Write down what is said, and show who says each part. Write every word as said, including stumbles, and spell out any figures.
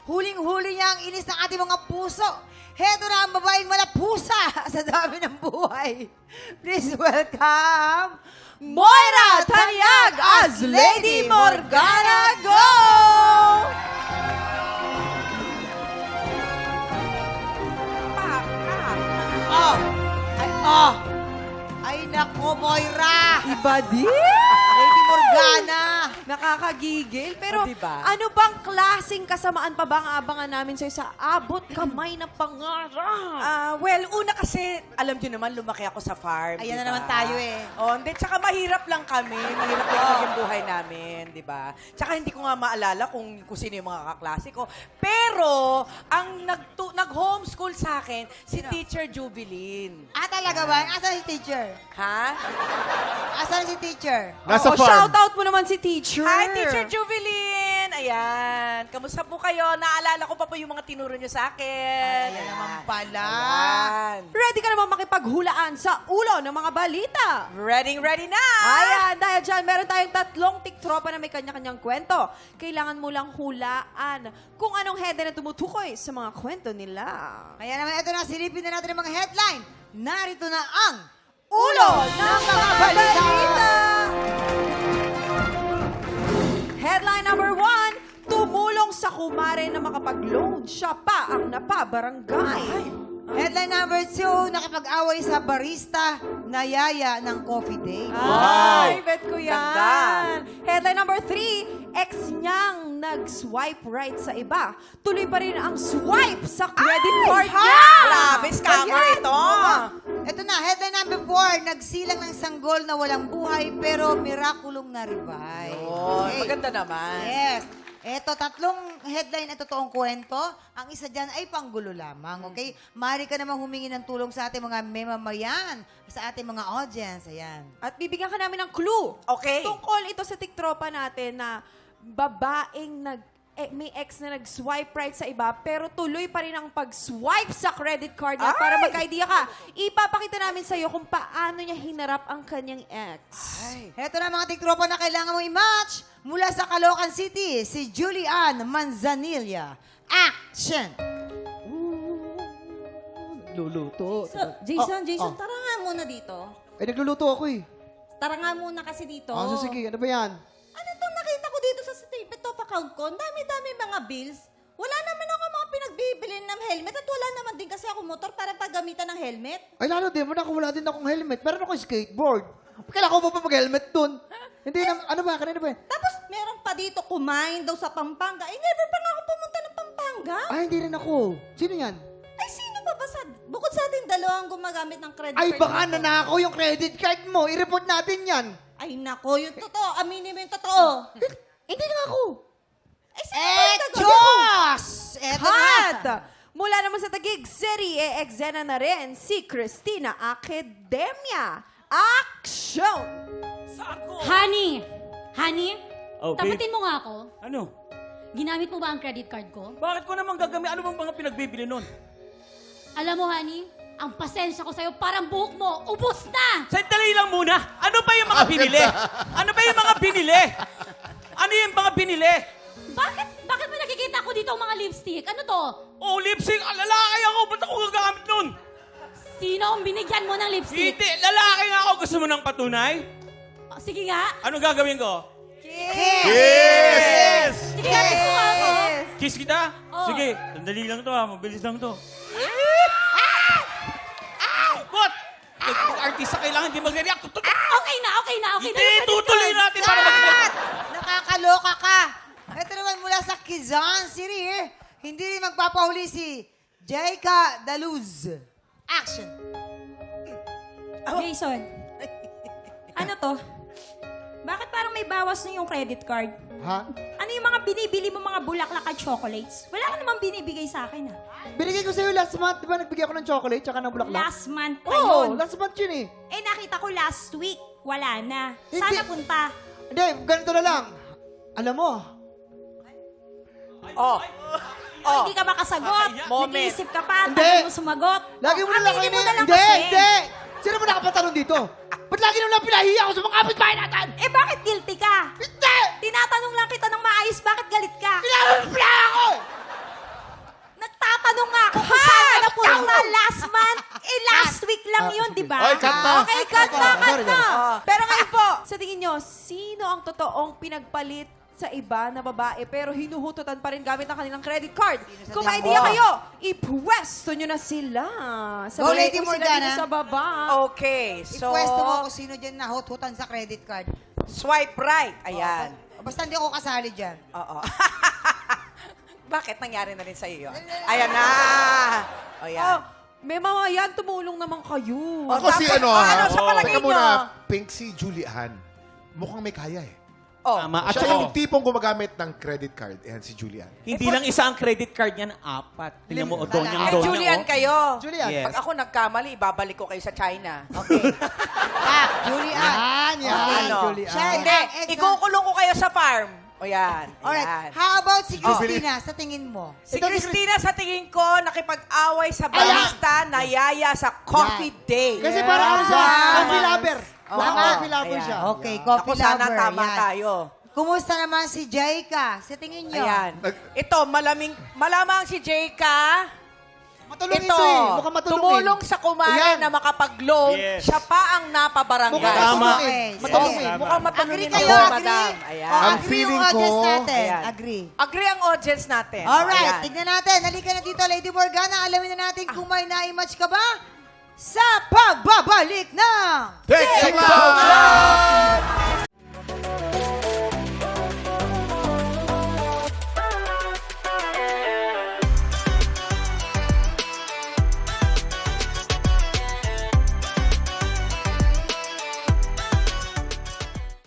Speaker 1: Huling-huli niya ang inis ng ating mga puso. Heto na ang babaeng malapusa sa dami ng buhay. Please welcome, Moira Tanyag as Lady Morgana. Go! Oh! Ay, oh! Ay, nako, Moira!
Speaker 2: Iba din!
Speaker 1: Lady Morgana!
Speaker 2: Nakakagigil. Pero
Speaker 1: Oh, diba?
Speaker 2: ano bang klaseng kasamaan pa ba ang abangan namin sa'yo sa abot kamay na pangarap?
Speaker 3: Ah, well, una kasi, alam niyo naman, lumaki ako sa farm.
Speaker 1: Ayan na
Speaker 3: diba?
Speaker 1: naman tayo eh.
Speaker 3: Oh, hindi, tsaka mahirap lang kami. Mahirap lang yung buhay namin, di ba? Tsaka hindi ko nga maalala kung, kung sino yung mga kaklase ko. Pero, ang nag nag-homeschool sa akin, si
Speaker 1: Sino?
Speaker 3: Teacher Jubilin.
Speaker 1: Ah, talaga ba? Asan si teacher?
Speaker 3: Ha?
Speaker 1: Asan si teacher?
Speaker 4: Nasa
Speaker 2: Oo,
Speaker 4: farm.
Speaker 2: shoutout mo naman si teacher.
Speaker 3: Hi, Teacher Jubilin! Ayan. Kamusta po kayo? Naalala ko pa po yung mga tinuro niyo sa akin.
Speaker 1: Ayan naman pala.
Speaker 3: Ayan.
Speaker 2: Ready ka naman makipaghulaan sa ulo ng mga balita.
Speaker 3: Ready, ready na!
Speaker 2: Ayan, dahil dyan, meron tayong tatlong tiktropa na may kanya-kanyang kwento. Kailangan mo lang hulaan kung anong header na tumutukoy sa mga kwento nila.
Speaker 1: Kaya naman, ito na, silipin na natin ang mga headline. Narito na ang
Speaker 2: Ulo ng mga balita! Headline number one, tumulong sa kumare na makapag-loan. Siya pa ang napabarangay.
Speaker 1: Headline number two, nakipag-away sa barista na yaya ng coffee day.
Speaker 2: Ay, bet ko yan.
Speaker 3: Ganda.
Speaker 2: Headline number three, ex niyang nag-swipe right sa iba. Tuloy pa rin ang swipe sa credit card niya.
Speaker 3: Grabe, scammer ito.
Speaker 1: Ito na, headline number four, nagsilang ng sanggol na walang buhay pero mirakulong na-revive.
Speaker 3: Oh,
Speaker 1: Okay.
Speaker 3: maganda naman.
Speaker 1: Yes. Ito, tatlong headline na totoong kwento. Ang isa dyan ay panggulo lamang, okay? Maaari ka namang humingi ng tulong sa ating mga memamayan, sa ating mga audience. Ayan.
Speaker 2: At bibigyan ka namin ng clue.
Speaker 3: Okay.
Speaker 2: Tungkol ito sa tiktropa natin na babaeng nag eh, may ex na nag-swipe right sa iba, pero tuloy pa rin ang pag-swipe sa credit card niya.
Speaker 3: Ay!
Speaker 2: Para magka-idea ka, ipapakita namin sa iyo kung paano niya hinarap ang kanyang ex.
Speaker 3: Ay.
Speaker 1: Ito na mga tiktropa na kailangan mong i-match. Mula sa Caloocan City, si Julian Manzanilla. Action!
Speaker 5: Luluto.
Speaker 6: So, Jason,
Speaker 5: Oh,
Speaker 6: Jason,
Speaker 5: oh.
Speaker 6: tara nga muna dito.
Speaker 5: Eh, nagluluto ako eh.
Speaker 6: Tara nga muna kasi dito.
Speaker 5: Ah, so sige, ano ba yan?
Speaker 6: Ano itong nakita ko dito sa statement of account ko? Ang dami-dami mga bills. Wala naman ako mga pinagbibili ng helmet at wala naman din kasi ako motor para paggamitan ng helmet.
Speaker 5: Ay, lalo din mo na wala din akong helmet. Meron ako skateboard. Kailangan ko pa mag-helmet dun. Hindi na, ano ba? Kanina ba?
Speaker 6: Tapos meron pa dito kumain daw sa Pampanga. Eh, never pa nga ako pumunta ng Pampanga.
Speaker 5: Ay, hindi rin ako. Sino yan?
Speaker 6: Ay, sino pa ba sa... Bukod sa ating dalawang gumagamit ng credit
Speaker 5: Ay,
Speaker 6: card
Speaker 5: baka
Speaker 6: dito.
Speaker 5: nanakaw yung credit card mo. I-report natin yan.
Speaker 6: Ay, nako, yung totoo. Aminin mo yung totoo.
Speaker 5: Hindi nga ako.
Speaker 6: Ay, sino ba yung gagawin ko?
Speaker 1: Echos! Ito
Speaker 2: At
Speaker 1: na.
Speaker 2: mula naman sa Taguig City, e exena na rin si Christina Academia. Action!
Speaker 7: Honey! Honey?
Speaker 4: Okay.
Speaker 7: Tapatin mo nga ako.
Speaker 4: Ano?
Speaker 7: Ginamit mo ba ang credit card ko?
Speaker 4: Bakit ko naman gagamit? Ano bang mga pinagbibili nun?
Speaker 7: Alam mo, honey, ang pasensya ko sa'yo, parang buhok mo, ubos na!
Speaker 4: Sandali lang muna. Ano ba yung mga binili? Ano ba yung mga binili? Ano yung mga binili?
Speaker 7: Bakit? Bakit ba nakikita ko dito ang mga lipstick? Ano to?
Speaker 4: Oh, lipstick. Ah, lalaki ako. Ba't ako gagamit nun?
Speaker 7: Sino ang binigyan mo ng lipstick?
Speaker 4: Hindi. Lalaki nga ako. Gusto mo ng patunay?
Speaker 7: Oh, sige nga.
Speaker 4: Anong gagawin ko?
Speaker 1: Kiss!
Speaker 7: Sige nga, kiss mo nga ako.
Speaker 4: Kiss kita?
Speaker 7: Oh.
Speaker 4: Sige. Sandali lang to ha. Mabilis lang to. What? Artista kailangan hindi mag-react. Tutuloy.
Speaker 7: Okay na, okay na, okay na.
Speaker 4: Hindi, tutuloy natin para mag
Speaker 1: Cut! Nakakaloka ka. Ito naman mula sa Quezon City. eh. Hindi rin magpapahuli si Jaika Daluz. Action!
Speaker 8: Jason, ano to? Bakit parang may bawas na yung credit card?
Speaker 5: Ha?
Speaker 8: Ano yung mga binibili mo mga bulaklak at chocolates? Wala ka namang binibigay sa akin, ah.
Speaker 5: Binigay ko sa'yo last month. Di ba nagbigay ako ng chocolate tsaka ng bulaklak?
Speaker 8: Last month pa
Speaker 5: Oo,
Speaker 8: yun.
Speaker 5: last month yun eh.
Speaker 8: Eh, nakita ko last week. Wala na.
Speaker 5: Hindi.
Speaker 8: Sana punta.
Speaker 5: Hindi, ganito na lang. Alam mo,
Speaker 3: Oh. Oh.
Speaker 8: Hindi ka makasagot.
Speaker 3: Moment.
Speaker 8: Nag-iisip ka pa.
Speaker 5: Hindi.
Speaker 8: Tagal mo sumagot.
Speaker 5: lagi mo
Speaker 8: Oh,
Speaker 5: na lang
Speaker 8: aminin mo
Speaker 5: kayo
Speaker 8: na lang
Speaker 5: Hindi,
Speaker 8: kasi.
Speaker 5: hindi! Sino ba nakapatalon dito? Ba't lagi naman lang pinahiya ako sa mga kapitbahay natin?
Speaker 8: Eh, bakit guilty ka?
Speaker 5: Hindi!
Speaker 8: Tinatanong lang kita ng maayos, bakit galit ka?
Speaker 5: Kailangan pala ako!
Speaker 7: ba?
Speaker 9: Oy, cut na.
Speaker 2: Okay, cut na, cut
Speaker 5: Sorry,
Speaker 2: na.
Speaker 3: sorry.
Speaker 2: Pero ngayon po, sa tingin nyo, sino ang totoong pinagpalit sa iba na babae pero hinuhututan pa rin gamit ang kanilang credit card? Kung may idea
Speaker 3: Ako.
Speaker 2: kayo, ipwesto nyo na sila. Sa
Speaker 1: Go,
Speaker 2: baba,
Speaker 1: Lady
Speaker 2: kung sila
Speaker 1: Morgana.
Speaker 2: dito sa baba.
Speaker 3: Okay, so...
Speaker 1: Ipwesto mo kung sino dyan na hot-hotan sa credit card.
Speaker 3: Swipe right. Ayan.
Speaker 1: O, basta hindi ako kasali dyan.
Speaker 3: Oo. Bakit? Nangyari na rin sa iyo yun? Ayan na! O yan.
Speaker 2: Oh, may mga yan, tumulong naman kayo.
Speaker 9: Ako si
Speaker 3: Tapos-
Speaker 9: ano,
Speaker 3: oh,
Speaker 9: ha?
Speaker 3: ano sa palagay
Speaker 9: Teka
Speaker 3: nyo?
Speaker 9: muna, Pink, si Julian. Mukhang may kaya eh.
Speaker 3: Oh,
Speaker 4: Tama. At
Speaker 9: Siya
Speaker 4: saka,
Speaker 9: yung tipong gumagamit ng credit card. Ayan, si Julian.
Speaker 4: hindi lang isa ang credit card niyan, apat. Tingnan mo, o doon yung
Speaker 3: Kay
Speaker 4: doon
Speaker 3: Julian kayo.
Speaker 5: Julian.
Speaker 4: Yes.
Speaker 3: Pag ako nagkamali, ibabalik ko kayo sa China.
Speaker 1: Okay. Pak, Julian.
Speaker 5: Yan, yan,
Speaker 3: Ano?
Speaker 5: Julian.
Speaker 1: Siya-
Speaker 3: Hindi,
Speaker 1: ang ex-
Speaker 3: ikukulong ko kayo sa farm. O yan.
Speaker 1: Alright.
Speaker 3: Ayan.
Speaker 1: How about si Christina sa tingin mo?
Speaker 3: Si Christina sa tingin ko, nakipag-away sa barista, nayaya sa coffee day.
Speaker 5: Kasi parang ano siya,
Speaker 1: Yes.
Speaker 5: coffee lover.
Speaker 1: Oo.
Speaker 5: Mukhang coffee lover
Speaker 3: Ayan.
Speaker 5: siya.
Speaker 1: Okay, coffee
Speaker 3: Ako sana
Speaker 1: lover.
Speaker 3: tama
Speaker 1: yan.
Speaker 3: tayo.
Speaker 1: Kumusta naman si Jaika? Sa tingin nyo?
Speaker 3: Ayan.
Speaker 9: Nag-
Speaker 3: Ito, malaming, malamang si Jayka.
Speaker 5: Matulong
Speaker 3: Ito,
Speaker 5: ito eh. Mukhang matulungin.
Speaker 3: tumulong sa kumare
Speaker 5: Ayan.
Speaker 3: na makapag-loan.
Speaker 4: Yes.
Speaker 3: Siya pa ang napabarangay.
Speaker 5: Mukhang
Speaker 4: Tama.
Speaker 5: matulungin.
Speaker 1: Okay.
Speaker 5: Matulungin.
Speaker 4: Yes.
Speaker 3: Mukhang
Speaker 1: Agree
Speaker 3: matulungin
Speaker 1: kayo,
Speaker 3: ako,
Speaker 1: agree?
Speaker 3: madam. Ayan.
Speaker 1: Oh,
Speaker 9: Ang
Speaker 1: agree
Speaker 9: feeling
Speaker 1: yung audience
Speaker 9: ko-
Speaker 1: natin.
Speaker 3: Ayan.
Speaker 1: Agree.
Speaker 3: Agree ang audience natin.
Speaker 1: Alright,
Speaker 3: Ayan.
Speaker 1: tignan natin. Halika na dito, Lady Morgana. Alamin na natin kung may na-match ka ba sa pagbabalik ng
Speaker 9: Take, Take Cloud Shot!